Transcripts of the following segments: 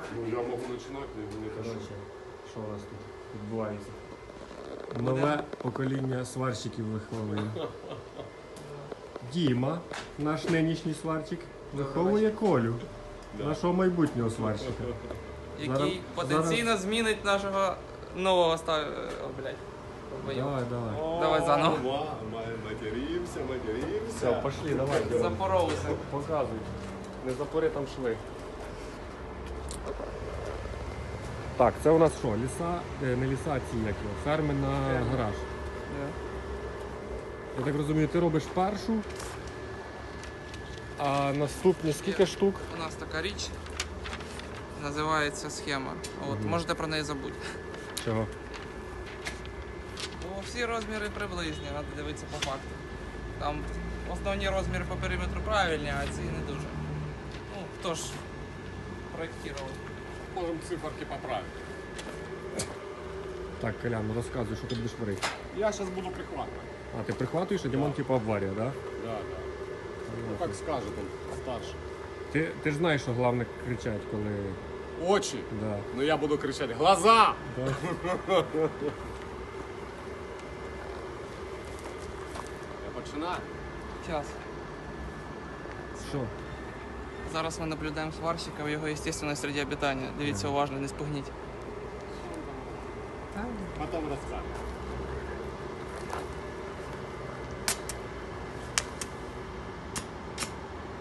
Ну, я можу починати, не хочу. Коротше, що у нас тут відбувається? Нове покоління сварщиків виховує. Діма, наш нинішній сварщик, виховує Колю, нашого майбутнього сварщика. Який потенційно змінить нашого нового блядь. Давай, давай. Давай заново. Материмся. Все, пошли, давай. Запоровся. Показуй. Не запори там шви. Так, це у нас що? Ліса, не ліса, а ці як його, ферми на гараж. Я так розумію, ти робиш першу, а наступні скільки штук? У нас така річ називається схема. От, можете про неї забути. Чого? Бо всі розміри приблизні, треба дивитися по факту. Там основні розміри по периметру правильні, а ці не дуже. Ну, хто ж проєктував? Можемо циферки поправити. Так, Колян, розказуй, що ти будеш варити. Я зараз буду прихватувати. А, ти прихватуєш, а Дімон типу обварює, так? Да. Ну, так скаже там старший. Ти ж знаєш, що головне кричать, коли... Очі. Да. Ну я буду кричати: глаза! Да. Я починаю. Час. Що? Зараз ми наблюдаємо сварщика в його естественной среде обитания. Дивіться уважно, не спугніть. Потім розкажу.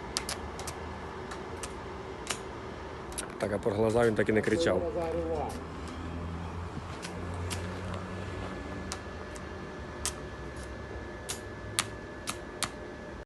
Так, а про глаза він так і не кричав. Глаза рвать.